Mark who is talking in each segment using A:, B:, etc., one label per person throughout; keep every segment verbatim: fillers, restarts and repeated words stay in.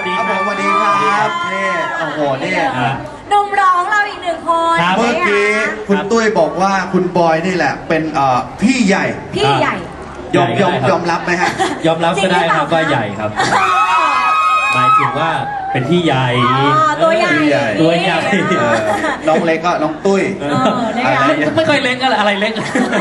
A: สดีครับ
B: สวัสดีครับนี่โอ้โหนี่
C: หนุ่มร้องเราอีกหนึ่งคน
B: เมื่อกี้คุณตุ้ยบอกว่าคุณบอยนี่แหละเป็นเอ่อพี่ใหญ่
C: พี่ใหญ่
B: ยอมยอมยอมรับไหมฮะ
A: ยอมรับก็ได้ครับว่าใหญ่ครับหมายถึงว่าเป็นพี่ใหญ่
C: ตัวใหญ่
A: ตัวใหญ่
B: เออน้องเล็กก็น้องตุ้ย
C: เออนะคะ
A: ไม่ไม่เคยเล็กอะไรอะไรเล็ก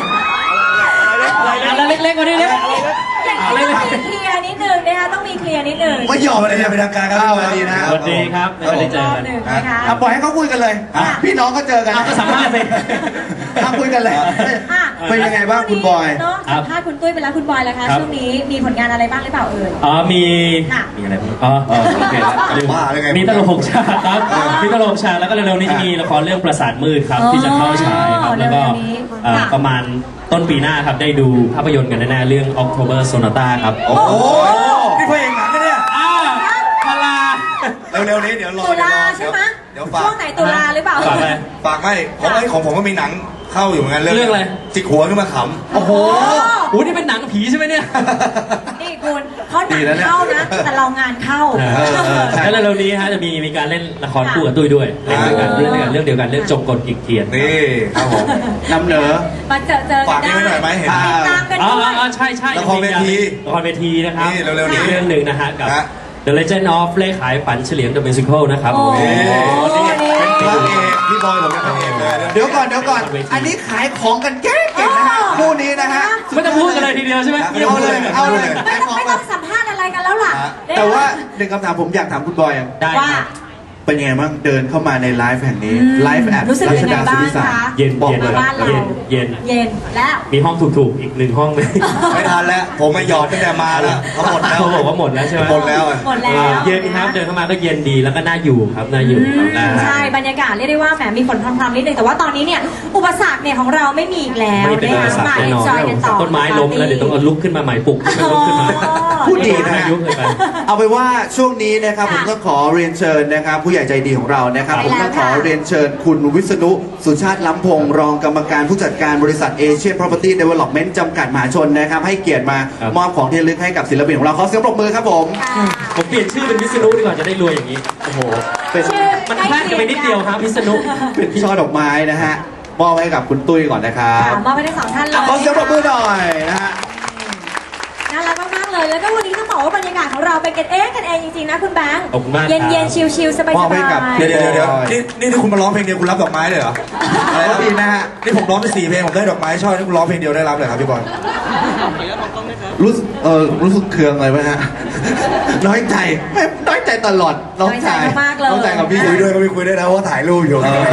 A: อะไรเล็กเล็กกว่านี้เล็ก
C: อะไรต้องมีเคลียร์นิดนึงนะคะต้องมีเคลียร์นิดนึง
B: ไม่ยอมอะไรเป็นทางการครับสวัสดีนะ
A: สวัสดีครับไม่ได้เจอกัน
C: นะคะ
B: อ่ะปล่อยให้เขาคุยกันเลยอ่ะพี่น้องก็เจอกัน
A: เอาก็สัมภาษณ์สิ
B: อ่ะคุยกันเลย
C: อ่ะ
B: เป็นยังไงบ้างคุณบอย
C: เนาะสัมภาษณ์คุณตุ้ยไปแล้วคุณบอยแล้วคะช่วงนี้มีผลงานอะไรบ้างหรือเปล่าเอ่ย
A: อ๋อมี
C: ค่ะ
A: มีอะไรบ้างอ๋อโอเคลืม
B: ว่าอะไรไง
A: มีตลกหกฉากครับมีตลกหกฉากแล้วก็เร็วๆนี้จะมีละครเรื่องประสาทมืดครับที่จะเข้าฉายครับแล้วก็เอ่อประมาณต้นปีหน้าครับได้ดูภาพยนตร์กันแน่ๆเรื่อง October Sonata ครับ
B: โอ้โหนี่เพลงหนังนะเนี่ย
A: อ้าวพลา
D: เร็วๆนี้เดี๋ยวรอ
C: ตุลาใช่ไหม
D: เดี๋ยวฝาก
C: ช่วงไหนตุลาหรือเปล่า
A: ฝากอะไร
D: ฝากไม่เพราะไอ้ของผมก็มีหนังเข้าอยู่เหมือนกัน
A: เรื่องอะไร
D: จิกหัวขึ้นมาข
B: โอ้โห
A: โอ้นี่เป็นหนังผีใช่ไหมเนี่ย
C: นี่คุณเขาหนังเข้านะแต่เรางานเข้า
A: แล้วเร็วๆนี้ฮะจะมีมีการเล่นละครคู่กับตุ้ยด้วยเล่นด้วยกันเล่นด้วยกันเรื่องเดียวกันเรื่องจงกลกิกเทียน
D: ำนี่ครับผม
B: นำเหนอ
C: มาเจอเจอกั
D: ฝาก
C: น
D: นี่
C: ได้
D: ไว้หน่อยไหมเห็น
C: ติดตามกัน
A: อ๋อ
C: ด้วย
A: อ๋อใช่ใช่
D: ละครเวที
A: ละครเวทีนะครับ
D: นี่เร็วๆนี้
A: เรื่องหนึ่งนะฮะกับ
D: ฮะ
A: The Legend of เล่ขายฝันเฉลียง The Musical นะครับ
C: โอ้โห
A: นี่
D: เป็นพระเอกพี่บอยผมเป็นพระเอกเลย
B: เดี๋ยวก่อนเดี๋ยวก่อน อันนี้ขายของกันเก่งๆนะฮะคู่นี้นะฮะ
A: ไม่ต้องพูดกันเลยทีเดียวใช่ไหม
B: เอาเลยเอาเลย
C: ไม่ต้องไม่ต้องสัมภาษณ์อะไรกันแล้วล่ะ
B: แต่ว่าหนึ่งคำถามผมอยากถามคุณบอยอ่ะ
A: ได้
C: ว่า
A: ครับ
B: เป็นยังไงบ้างเดินเข้ามาในไลฟ์แห่งนี้
C: อืม
B: ไลฟ์แอด
C: รู้สึก
B: รั
C: ยั
B: ช
C: งไง
B: ดาสุ
C: บ้าง
B: นิสา
C: คะ
A: เย็น
B: บอก
A: เย็น
B: เลย
C: บ้านเรา
A: เย็นเย็น
C: เย็นแล้ว
A: มีห้องถูกๆอีกหนึ่งห้องเลย
D: ไม่ทันแล้วผมมาหยอดตั้งแต่มาแล้วเขาหมดแล้ว
A: เขาบอกว่าหมดแล้วใช่ไหม
D: หมดแล้วอะ
C: หมดแล้ว
A: เย็นครับเดินเข้ามาก็เย็นดีแล้วก็น่าอยู่ครับน่าอยู่ครับ
C: อืมใช่บรรยากาศเรียกได้ว่าแหมมีฝนพรำๆนิดนึงแต่ว่าตอนนี้เนี่ยอุปสรรคเนี่ยของเราไม่มีอีกแล้ว
A: ไม่เป็นอุปสรรค
C: มา
A: แน่นอน
C: จอยกันต่อ
A: ต้นไม้ล้มแล้วเดี๋ยวต้องเอาลุกขึ้นมาใหม่ปลุกให้มันลุกขึ้นมา
B: พูดดีนะ
A: อายุเลยไป
B: เอาไปนว่าช่วงนี้นะครับผ
C: ค่ะ
B: มต้องขอเรียนเชิญนะครับผู้ใหญ่ใจดีของเรานะครับ
C: ใช่
B: ผมต้องขอ
C: แล้วค่ะ
B: เรียนเชิญคุณวิษณุสุชาติล้ำพงศ์รองกรรมการผู้จัดการบริษัทเอเชีย Property Development จำกัดมหาชนนะครับให้เกียรติมา
A: ครับ
B: มอบของที่ระลึกให้กับศิลปินของเราขอเสียงปรบมือครับผม
C: ค่ะ
A: ผมเปลี่ยนชื่อเป็นวิษณุดีกว่าจะได้รวยอย่างนี้โอ้โห
B: เป็น
C: ชื่อ
A: มันพลาดกันไปนิดเดียวครับวิษณุ
B: เป็นช่อดอกไม้นะฮะมอบให้กับคุณตุ้ยก่อนนะครับ
C: ค่ะมอบให้ทั้งสองท่านเลย
B: อ่ะขอเสียงปรบมือหน่อยนะฮะ
C: น่ารักมากๆเลยแล้วก็วันนี้ต้องบอกว่าบรรยากาศของเราเป็นกันเองกันเองจริงๆนะคุณแบงค์
A: ขอบคุณมากครับ
C: เย็นๆชิลๆสบาย
B: มอบให้กับ
C: ๆ
D: เดี๋ยวเดี๋ยวเดี๋ยวนี่นี่ที่คุณมาร้องเพลงเดียวคุณรับดอกไม้เลยเหรอ
B: อะไรดีนะฮะ
D: นี่ผมร้องไปสี่เพลงผมได้ดอกไม้ช่อนี่คุณร้องเพลงเดียวได้รับเลยครับพี่บอล
B: รู้สึกเออรู้สึกเคืองอะไรไหมฮะ น้อยใจไม่น้อยใจตลอดน้องชาย
C: น้อยใจมากๆเลย
B: น้องชายกับพี่
D: คุยด้วยก็ไม่คุยด้วยนะเพราะว่าถ่ายรูปอยู่
B: เออ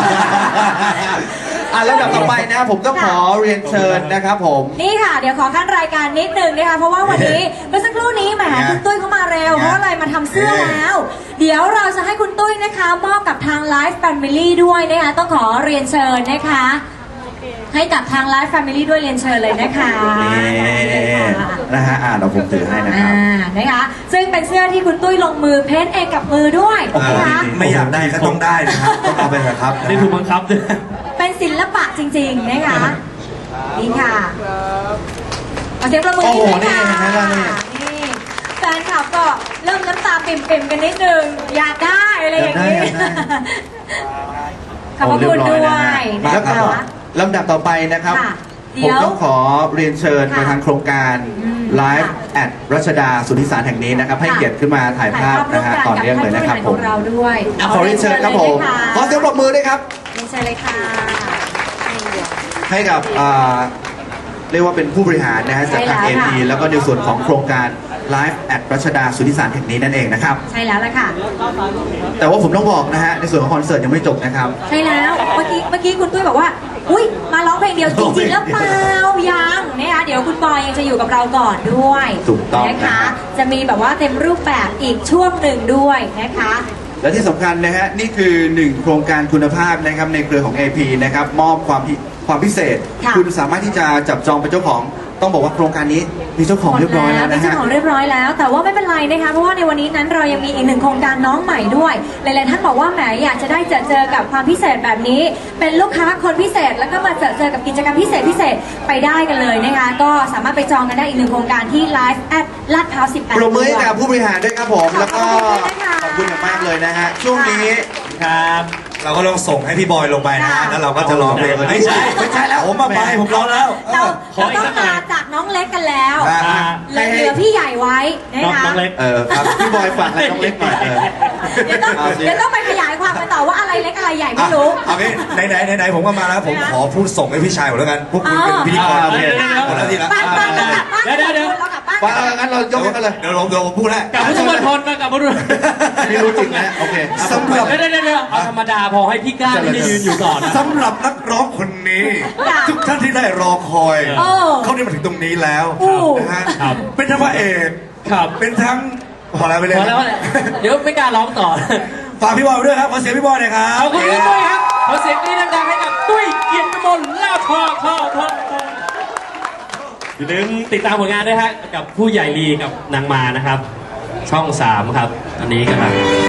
B: อ่ะแล้วดับต่อไปนะผมต้องขอเรียนเชิญนะครับผม
C: นี่ค่ะ เดี๋ยวขอขั้นรายการนิดนึงนะคะเพราะว่าวันนี้เมื่อสักครู่นี้แหมคุณตุ้ยเข้ามาเร็วเพราะอะไรมาทำเสื้อแล้ว เดี๋ยวเราจะให้คุณตุ้ยนะคะมอบกับทาง Live Family ด้วยนะคะต้องขอเรียนเชิญนะคะ ให้กับทาง Live Family ด้วยเรียนเชิญเลยนะคะ
B: นี่นะฮะอ่ะเราผมถือให้นะค
C: อ่า
B: รับ
C: นะคะซึ่งเป็นเสื้อที่คุณตุ้ยลงมือเพ้นท์เองกับมือด้วยนะคะ
D: ไม่อยากได้ก็ต้องได้นะครับต้องเอาไปเถอะครับ
A: ได้ถูกบังคับด้วย
C: เป็นศิลปะจริงๆนะคะนี่ค่ะเอาเสียงประมือ
B: โอ้โห
C: นิดนึงค่ะ
B: นี่เห็นไหมล่ะนี่
C: นี่แฟนคลับก็เริ่มน้ำตาปิ่มๆกันนิดนึงอยากได้อะไรอย่างนี้
B: อยากได้อยากได้
C: ขอบพระคุณด้วย
B: แล้
C: นะ
B: วก็
C: คะ
B: ลำดับต่อไปนะครับ
C: ค่ะ
B: ผ
C: เดี๋
B: ม
C: ยว
B: ต้องขอเรียนเชิญ
C: ค่ะ
B: มาทางโครงการ
C: อืม
B: Live
C: ค่ะ
B: at รัชดาสุทธิสารแห่งนี้นะครับ ให้
C: ค่ะ
B: เกียรติขึ้นมาถ่ายภาพนะฮะต่อเนื่องเลยนะครับ
C: กั
B: ผ
C: ท่าน
B: ม
C: ผู้บริหารของเราด้วย
B: อ่ะขอเรียนเชิญครับผม ขอเสียงปรบมือด้วยครับ
C: เรียนเชิญเลยค่ะ
B: ให้กับอ่าเรียกว่าเป็นผู้บริหารนะฮะจากทาง
C: ใช่
B: เอ
C: แล้วค่ะ
B: พีแล้วก็ในส่วนของโครงการ Live at รัชดาสุทธิสารแห่งนี้นั่นเองนะครับ
C: ใช่แล้วล่ะค่ะ
B: แต่ว่าผมต้องบอกนะฮะในส่วนของคอนเสิร์ตยังไม่จบนะครับ
C: ใช่แล้วเมื่อกี้เมื่อกี้คุณตุ้ยบอกว่า อุ้ยมาร้องเพลงเดียวจริงๆแล้วเปล่ายังนะคะเดี๋ยวคุณบอยยังจะอยู่กับเราก่อนด้วย
B: ถูกต้อง
C: นะคะ
B: นะฮะ
C: จะมีแบบว่าเต็มรูปแบบอีกช่วงหนึ่งด้วยนะคะ
B: และที่สำคัญนะฮะนี่คือหนึ่งโครงการคุณภาพนะครับในเครือของ เอ พี นะครับมอบความพิคความพิเศษ
C: ค่ะ
B: คุณสามารถที่จะจับจองเป็นเจ้าของต้องบอกว่าโครงการนี้มีเจ้าของเรียบร้อยแล้ว
C: มี
B: นะ
C: เจ้า
B: ฮะ
C: ของเรียบร้อยแล้ว แต่ว่าไม่เป็นไรนะคะเพราะว่าในวันนี้นั้นเรายังมีอีกหนึ่งโครงการน้องใหม่ด้วยหลายๆท่านบอกว่าแหมอยากจะได้เจอเจอกับความพิเศษแบบนี้ เป็นลูกค้าคนพิเศษแล้วก็มาเจอเจอกับกิจกรรมพิเศษพิเศษไปได้กันเลยนะคะก็สามารถไปจองกันได้อีกหนึ่งโครงการที่ Live at ลาดพร้าวสิบแปด
B: ปรบมือให้กับผู้บริหารด้วยครับผม แล้วก็
C: ขอบคุณนะคะ
B: ขอบคุณอย่างมากเลยนะฮะช่วงนี้
A: ครับ
D: เราก็ลองส่งให้พี่บอยลงไปนะ
C: ค่ะ
D: แล้วเราก็จะร้องเพลงไม่ใช่ไม่ใช่แล้วผมมาไปผมร้องแล้วเอ
C: เรา
D: อ
A: ขอ
C: เรา
A: อีก
C: ต้อ
A: สั
C: ง
A: กหน่
C: มา
A: อย
C: จากน้องเล็กกันแล้ว
D: อ่า
A: อ่า
C: เหลือเหลือพี่ใหญ่ไว้นะ
A: น้อง
C: คะ
A: น้องเล็ก
B: เออครับพี่บอยฝากอะไรน้องเล็กหน่อยเออ
C: เดี๋ยวต้อง
B: เอาสิ
C: เดี๋ยวต้องไปขยายความกันต่อว่าอะไรเล็กอะไรใหญ่ไม่รู้
D: อ่ะเอางี้ไหนไหนไหนไหนผมก็มาแล้วผม
C: นะ
D: ขอพูดส่งให้พี่ชายผมแล้วกันพวกคุณเป็นพิธีกร
B: อ่าโอเค
D: หมดแล้วทีละ
C: บ้านบ้านเรากลับบ้าน
A: เดี๋ยวเดี๋ยวเดี๋ยว
C: เรากลับบ้าน
B: ว่าเอางั้นเรายกให้กันเลย
D: เดี๋ยวผมเดี๋ยวผมพูดแล้ว
A: กลับพุทธมณฑลมากลับพุทธมณฑล
B: ไม่รู้จริงนะโอเค
D: สำหรับ
A: เดี๋ยวเดี๋ยวเดี๋ยวเอาธรรมดาพอให้พี่กล้าที่จะยืนอยู่ก่อน
D: สำหรับนักร้องคนนี้
C: ค่ะ
D: ทุกท่านที่ได้รอคอย
C: โอ้
D: เขาได้มาถึงตรงนี้แล้ว
C: โอ้
D: นะฮะ
A: ครับ
D: เป็นทั้งพระเอก
A: ครับ
D: เป็นทั้งพอแล้วไปเลย
A: พอแล้วเดี๋ยวไม่กล้าร้องต่อ
D: ฝากพี่บอยไว้ด้วยครับขอเสียงพี่บอยหน่อยครับ
A: ขอบคุณพี่ตุ้ยครับขอเสียงกรี๊ดดังๆให้กับตุ้ยเกียรติกมลลาภทองทองทองทองอย่าลืมติดตามผลงานด้วยฮะกับผู้ใหญ่ลีกับนางมานะครับ ช่องสามครับ อันนี้กำลัง